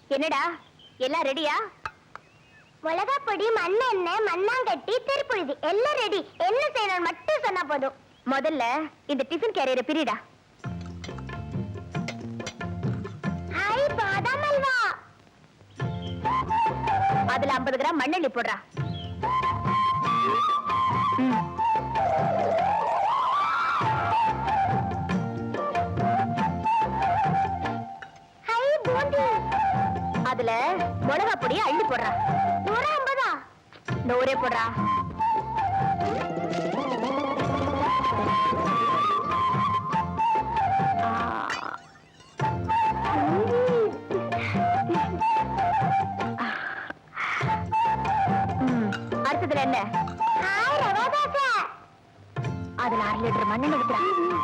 என்னடா எல்லாம் ரெடியா? மிளகாப்பொடி, மண்ணெண்ணெய், மண்ணாங்கட்டி, திருப்புழுதி எல்லாம் ரெடி. என்ன செய்யணும் மட்டும் சொன்னா போதும். முதல்ல இந்த டிஃபன் கேரியரை பிரிடா. ஹாய் பாதாம் அல்வா. அதுல 50 கிராம் மண்ணெண்ணெய் போடுறா. ஹாய் பூந்தி. அதுல மிளகா பொடியை அள்ளி போடுறா. 150. 100 போடுறா. அடுத்ததுல என்ன? அதுல 1/2 லிட்டர் மண்ணெண்ணெய் ஊத்துறா.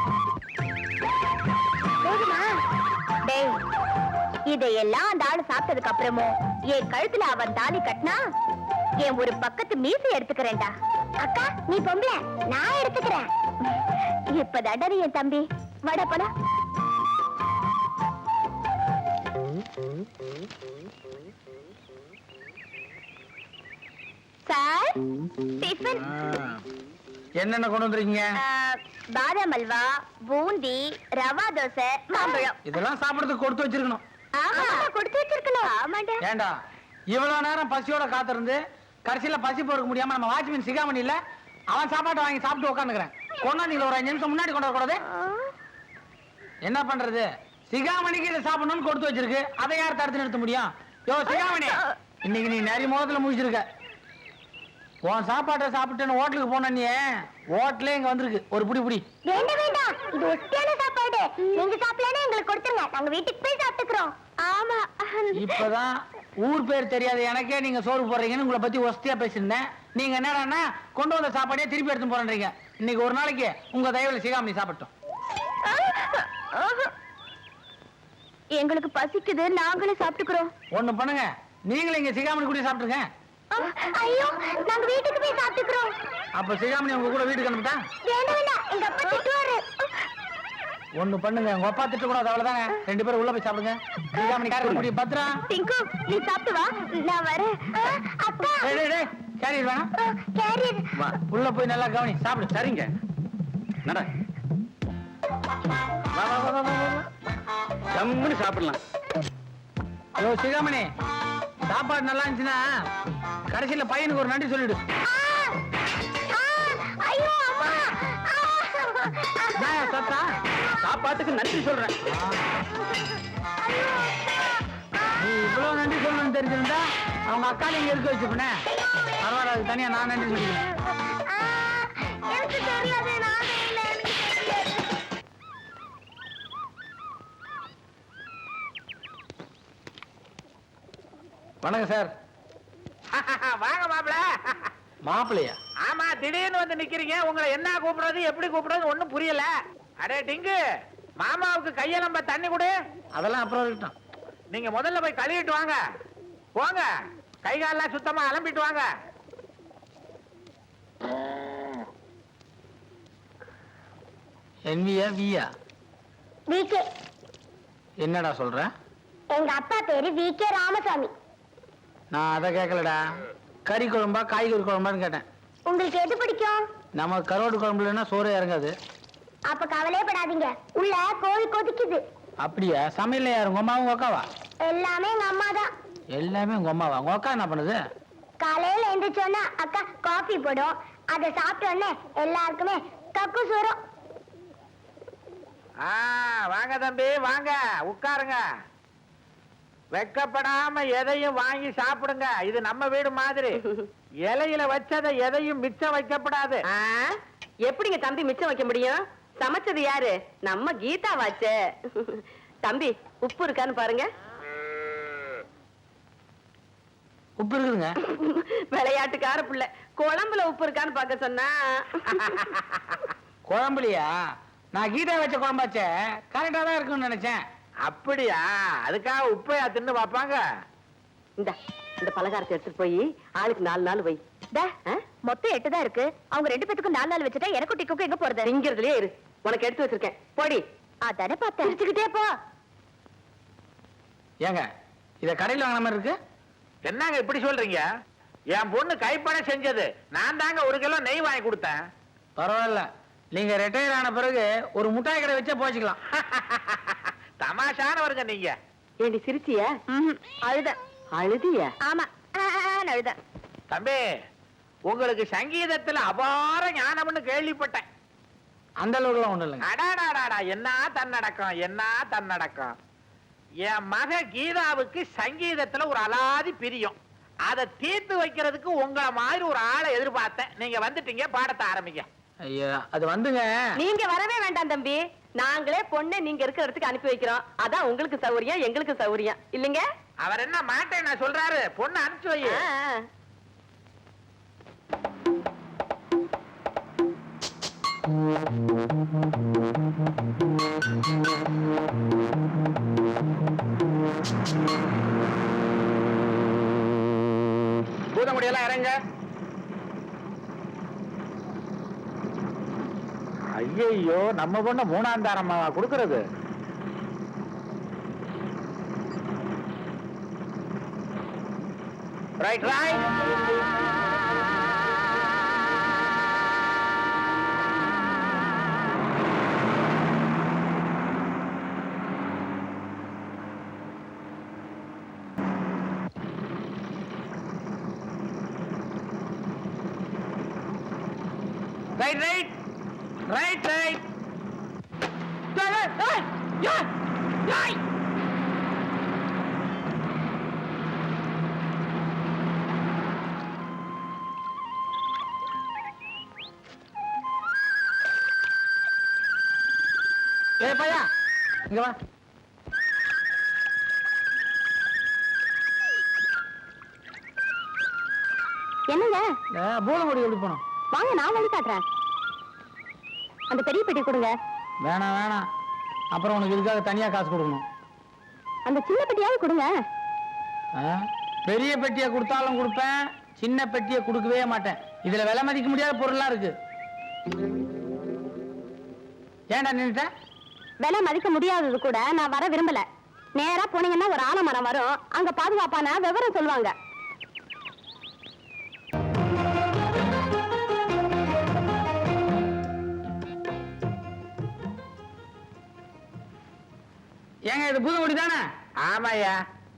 இதையெல்லாம் அந்த ஆளு சாப்பிட்டதுக்கு அப்புறமும் என் கழுத்துல அவன் தாலி கட்டினா என் ஒரு பக்கத்து மீசை எடுத்துக்கிறேன்டா. அக்கா நீ பொம்பளை, நான் எடுத்துக்கிறேன். இப்பதாடா என் தம்பி. வட போல. சார் டிஃபன் என்னென்ன கொண்டு வந்திருக்கீங்க? பாதாம் அல்வா, பூந்தி, ரவா தோசை, மாம்பழம். இதெல்லாம் சாப்பிடறதுக்கு கொடுத்து வச்சிருக்கணும். ஆமா கொடுத்து வச்சிருக்கணும். ஆமாண்டா. ஏண்டா இவ்வளவு நேரம் பசியோட காத்திருந்து கடைசியில பசி பொறுக்க முடியாம நம்ம வாட்ச்மேன் சிகாமணி இல்ல அவன் சாப்பாட்டை வாங்கி சாப்பிட்டு உட்காந்துக்கிறேன். கொண்டாந்து ஒரு 5 நிமிஷம் முன்னாடி கொண்டு வரக்கூடாது? என்ன பண்றது? சிகாமணிக்கு இதை சாப்பிடணும்னு கொடுத்து வச்சிருக்கு. அதை யார் தடுத்து நிறுத்த முடியும்? யோ சிகாமணி, இன்னைக்கு நீ நிறைய மோதத்துல முடிச்சிருக்க. உன் சாப்பாட்டை சாப்பிட்டு ஹோட்டலுக்கு போன நீ ஹோட்டலே இங்க வந்திருக்கு. ஒரு புடி புடி. வேண்டாம் வேண்டாம், இது ஒட்டியான சாப்பாடு. நீங்க சாப்பிடலன்னா எங்களுக்கு கொடுத்துருங்க, நாங்க வீட்டுக்கு போய் சாப்பிட்டுக்கிறோம். ஆமா. இப்பதான் ஊர் பேர் தெரியாது எனக்கே நீங்க சோறு போடுறீங்கன்னு உங்களை பத்தி ஒஸ்தியா பேசியிருந்தேன். நீங்க என்னடான்னா கொண்டு வந்த சாப்பாடே திருப்பி எடுத்து போறீங்க. இன்னைக்கு ஒரு நாளைக்கு உங்க தயவுல சிகாமணி சாப்பிட்டோம். எங்களுக்கு பசிக்குது, நாங்களே சாப்பிட்டுக்கிறோம். ஒண்ணு பண்ணுங்க, நீங்களும் இங்க சிகாமணி கூட சாப்பிட்டுருங்க. ஐயோ, நாங்க வீட்டுக்கு போய் சாப்பிட்டுக்கிறோம். அப்ப சிகாமணி உங்க கூட வீட்டுக்கு அனுப்பிட்டா? வேண்டாம் வேண்டாம், எங்க அப்பா திட்டுவாரு. ஒண்ணு பண்ணுங்க, உங்க அப்பா திட்ட கூடாது, அவ்வளவுதாங்க. 2 பேரும் உள்ள போய் சாப்பிடுங்க. சிகாமணி கார முடி பத்ரா. டிங்கு நீ சாப்பிட்டு வா, நான் வரேன். அப்பா கேரியர் வேணாம். கேரியர் உள்ள போய் நல்லா கவனி, சாப்பிடு. சரிங்க, நட. வா வா வா வா. ஜம்முன்னு சாப்பிடலாம். ஐயோ சிகாமணி, சாப்பாடு நல்லா இருந்துச்சுன்னா கடைசியில பையனுக்கு ஒரு நன்றி சொல்லிடு. ஐயோ அம்மா. சத்தா சாப்பாட்டுக்கு நன்றி சொல்றேன். நீ இவ்வளவு நன்றி சொல்லணும்னு தெரிஞ்சிருந்தா அவங்க அக்கால இங்க இருக்க வச்சுப்பேன். பரவாயில்ல, அது தனியா நான் நன்றி சொல்லிக்கிறேன். எனக்கு தெரியாது, நானே இல்லை, எனக்கு தெரியாது. வணக்கம் சார். வாங்க மாப்பிள. மாப்பிள்ளையா? ஆமா, திடீர்னு வந்து நிக்கிறீங்க. உங்களை என்ன கூப்பிடுறது எப்படி கூப்பிடுறது ஒண்ணும் புரியல. அடே டிங்கு, மாமாவுக்கு கைய நம்ம தண்ணி கொடு. அதெல்லாம் அப்புறம் இருக்கட்டும். நீங்க முதல்ல போய் கழுவிட்டு வாங்க. போங்க, கை காலெல்லாம் சுத்தமா அலம்பிட்டு வாங்க. என்வியா வியா? விகே. என்னடா சொல்ற? எங்க அப்பா பேரு விகே ராமசாமி. நான் அதை கேட்கலடா. கறி குழம்பா காய்கறி குழம்பான்னு கேட்டேன். உங்களுக்கு எது பிடிக்கும்? நம்ம கரோடு குழம்புலன்னா சோறே இறங்காது. அப்ப கவலையப்படாதீங்க, உள்ள கோழி கொதிக்குது. அப்படியா? சமையல யாரு, உங்க அம்மாவும் அக்காவா? எல்லாமே எங்க அம்மா தான். எல்லாமே உங்க அம்மாவா? உங்க அக்கா என்ன பண்ணுது? காலையில எந்திரிச்சோன்னா அக்கா காஃபி போடும். அதை சாப்பிட்ட உடனே எல்லாருக்குமே கக்கு சோறும். வாங்க தம்பி, வாங்க உட்காருங்க. வெக்கப்படாம எதையும் வாங்கி சாப்பிடுங்க. இது நம்ம வீடு மாதிரி. இலையில வச்சதை எதையும் மிச்சம் வைக்கப்படாது. எப்படிங்க தம்பி மிச்சம் வைக்க முடியும்? சமைச்சது யாரு? நம்ம கீதா வாச்சே. தம்பி உப்பு இருக்கான்னு பாருங்க. உப்பு இருக்குதுங்க. விளையாட்டுக்கார புள்ள, குழம்புல உப்பு இருக்கான்னு பார்க்க சொன்னா. குழம்புலையா? நான் கீதா வச்ச குழம்பாச்சே, கரெக்டா தான் இருக்குன்னு நினைச்சேன். அப்படியா? அதுக்காக உப்பையா தின்னு பாப்பாங்க? இந்த பலகாரத்தை எடுத்துட்டு போய் ஆளுக்கு 4 நாள் வை. மொத்தம் 8 தான் இருக்கு. அவங்க 2 பேத்துக்கும் 4 நாள் வச்சுட்டா எனக்கு டிக்கு எங்க போறது? திங்கிறதுலயே இரு, உனக்கு எடுத்து வச்சிருக்கேன். போடி. அதானே பார்த்தேன். போ. ஏங்க இத கடையில் வாங்கின மாதிரி இருக்கு. என்னங்க இப்படி சொல்றீங்க? என் பொண்ணு கைப்பட செஞ்சது. நான் தாங்க 1 கிலோ நெய் வாங்கி கொடுத்தேன். பரவாயில்ல, நீங்க ரிட்டையர் ஆன பிறகு ஒரு முட்டாய் கடை வச்சே போச்சுக்கலாம். தமாஷானவருங்க நீங்க. ஏண்டி சிரிச்சிய? அழுத. அழுதிய? ஆமா, அழுத. தம்பி, உங்களுக்கு சங்கீதத்துல அபார ஞானம்னு கேள்விப்பட்டேன். அந்த அளவுக்குலாம் ஒண்ணும் இல்லைங்க. அடாடாடாடா, என்ன தன்னடக்கம், என்ன தன்னடக்கம். என் மக கீதாவுக்கு சங்கீதத்துல ஒரு அலாதி பிரியம். அதை தீர்த்து வைக்கிறதுக்கு உங்களை மாதிரி ஒரு ஆளை எதிர்பார்த்தேன். நீங்க வந்துட்டீங்க, பாடத்தை ஆரம்பிங்க. ஐயா, அது வந்துங்க. நீங்க வரவே வேண்டாம் தம்பி. நாங்களே பொண்ணை நீங்க இருக்கிற இடத்துக்கு அனுப்பி வைக்கிறோம். அதான் உங்களுக்கு சௌரியம், எங்களுக்கு சௌரியம் இல்லைங்க. அவர் என்ன மாட்டேன் நான் சொல்றாரு, பொண்ணு அனுப்பிச்சு வை. பூதமுடியெல்லாம் இறங்க. ஐயோ, நம்ம பொண்ணு 3ஆம் தாரமா கொடுக்கறது. Right right. Right right right right. ஏய் பையா, இங்க வா. என்னங்க? பூதமுடி எப்படி போனோம்? வாங்க, நான் வழி காட்டுறேன். அந்த பெரிய பெட்டி கொடுங்க. வேணாம் வேணாம், அப்புறம் உனக்கு இதுக்காக தனியா காசு கொடுக்கணும். அந்த சின்ன பெட்டியாவது கொடுங்க. பெரிய பெட்டியை கொடுத்தாலும் கொடுப்பேன், சின்ன பெட்டியை கொடுக்கவே மாட்டேன். இதுல விலை மதிக்க முடியாத பொருள்லாம் இருக்கு. ஏன்டா நின்னுட்ட? விலை மதிக்க முடியாதது கூட நான் வர விரும்பல. நேரா போனீங்கன்னா ஒரு ஆலமரம் வரும், அங்க பாதுகாப்பான விவரம் சொல்லுவாங்க. ஏங்க, இது பூதமுடி தானே? ஆமாயா.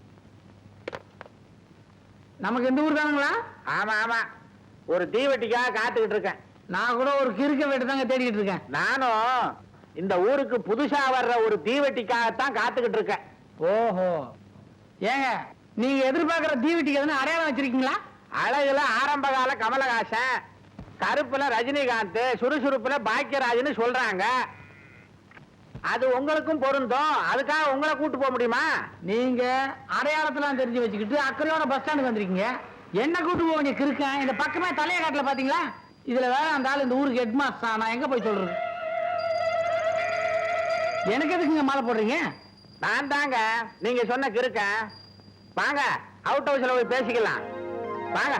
நமக்கு இந்த ஊர் தானுங்களா? ஆமா ஆமா, ஒரு தீவெட்டிக்காக காத்துக்கிட்டு இருக்கேன். நான் கூட ஒரு கிறுக்க வீட்டு தாங்க தேடிக்கிட்டு இருக்கேன். நானும் இந்த ஊருக்கு புதுசா வர்ற ஒரு தீவெட்டிக்காகத்தான் காத்துக்கிட்டு இருக்கேன். ஓஹோ, ஏங்க நீங்க எதிர்பார்க்கிற தீவெட்டிக்கு எதுனா அடையாளம் வச்சிருக்கீங்களா? அழகுல ஆரம்பகால கமலஹாசன், கருப்புல ரஜினிகாந்த், சுறுசுறுப்புல பாக்கியராஜ்னு சொல்றாங்க. அது உங்களுக்கும் பொருந்தும். அதுக்காக உங்களை கூட்டு போக முடியுமா? நீங்க அடையாளத்தெல்லாம் தெரிஞ்சு வச்சுக்கிட்டு அக்கறையோட பஸ் ஸ்டாண்டுக்கு வந்திருக்கீங்க. என்ன கூட்டு போவீங்க கிறுக்கன்? இந்த பக்கமே தலைய காட்டுல பாத்தீங்களா? இதுல வேற அந்த ஆள் இந்த ஊருக்கு ஹெட் மாஸ்டர். நான் எங்க போய் சொல்றது? எனக்கு எதுக்குங்க மாலை போடுறீங்க? நான் தாங்க நீங்க சொன்ன கிறுக்கன். வாங்க, அவுட் ஹவுஸ்ல போய் பேசிக்கலாம். வாங்க.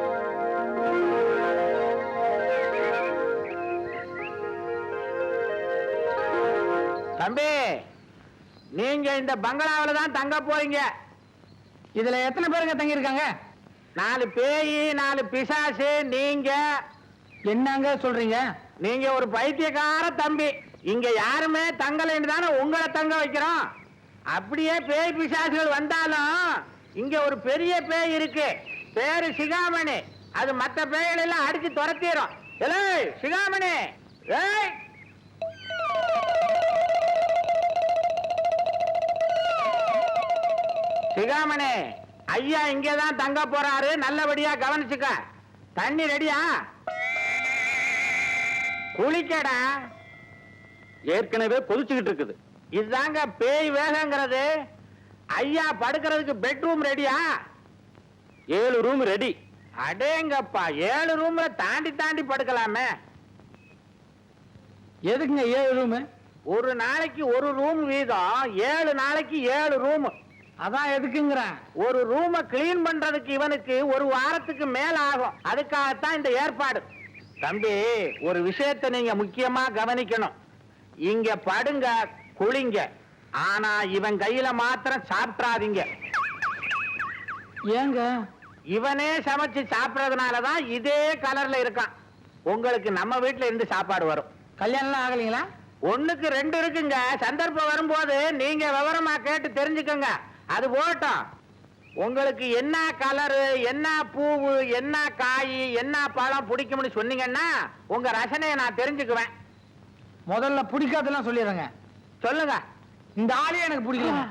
தம்பி, நீங்க இந்த பங்களாவில தான் தங்க போறீங்க. இதுல எத்தனை பேருங்க தங்கி இருக்காங்க? 4 பேய், 4 பிசாசு. நீங்க என்னங்க சொல்றீங்க? நீங்க ஒரு பைத்தியக்கார தம்பி. இங்க யாருமே தங்கலைன்னு தானே உங்களை தங்க வைக்கிறோம். அப்படியே பேய் பிசாசுகள் வந்தாலும் இங்க ஒரு பெரிய பேய் இருக்கு, பேரு சிகாமணி. அது மத்த பேய்கள் எல்லாம் அடிச்சு துரத்திடும். ஏய் சிகாமணி, ஏய் சிகாமணி, ஐயா இங்கதான் தங்க போறாரு, நல்லபடியா கவனிச்சுக்க. தண்ணி ரெடியா? குளிக்கடா. ஏற்கனவே கொதிச்சுக்கிட்டு இருக்குது. இதுதாங்க பேய் வேகங்கிறது. ஐயா படுக்கிறதுக்கு பெட்ரூம் ரெடியா? 7 ரூம் ரெடி. அடேங்கப்பா, 7 ரூம்ல தாண்டி தாண்டி படுக்கலாமே. எதுக்குங்க 7 ரூம்? ஒரு நாளைக்கு ஒரு ரூம் வீதம், 7 நாளைக்கு 7 ரூம். அதான் எதுக்குங்கிறேன். ஒரு ரூமை கிளீன் பண்றதுக்கு இவனுக்கு 1 வாரத்துக்கு மேல ஆகும். அதுக்காகத்தான் இந்த ஏற்பாடு. தம்பி, ஒரு விஷயத்தை நீங்க முக்கியமா கவனிக்கணும். இங்க படுங்க, குளிங்க. ஆனா இவன் கையில மாத்திரம் சாப்பிடாதீங்க. ஏங்க இவனே சமைச்சு சாப்பிடறதுனாலதான் இதே கலர்ல இருக்கான். உங்களுக்கு நம்ம வீட்டுல இருந்து சாப்பாடு வரும். கல்யாணம் ஆகலீங்களா? ஒண்ணுக்கு 2 இருக்குங்க. சந்தர்ப்பம் வரும்போது நீங்க விவரமா கேட்டு தெரிஞ்சுக்கோங்க. அது போகட்டும். உங்களுக்கு என்ன கலரு, என்ன பூவு, என்ன காய், என்ன பழம் பிடிக்கும்னு சொன்னீங்கன்னா உங்க ரசனையை நான் தெரிஞ்சுக்குவேன். முதல்ல பிடிக்காதெல்லாம் சொல்லிடுறேங்க. சொல்லுங்க. இந்த ஆளே எனக்கு பிடிக்கல.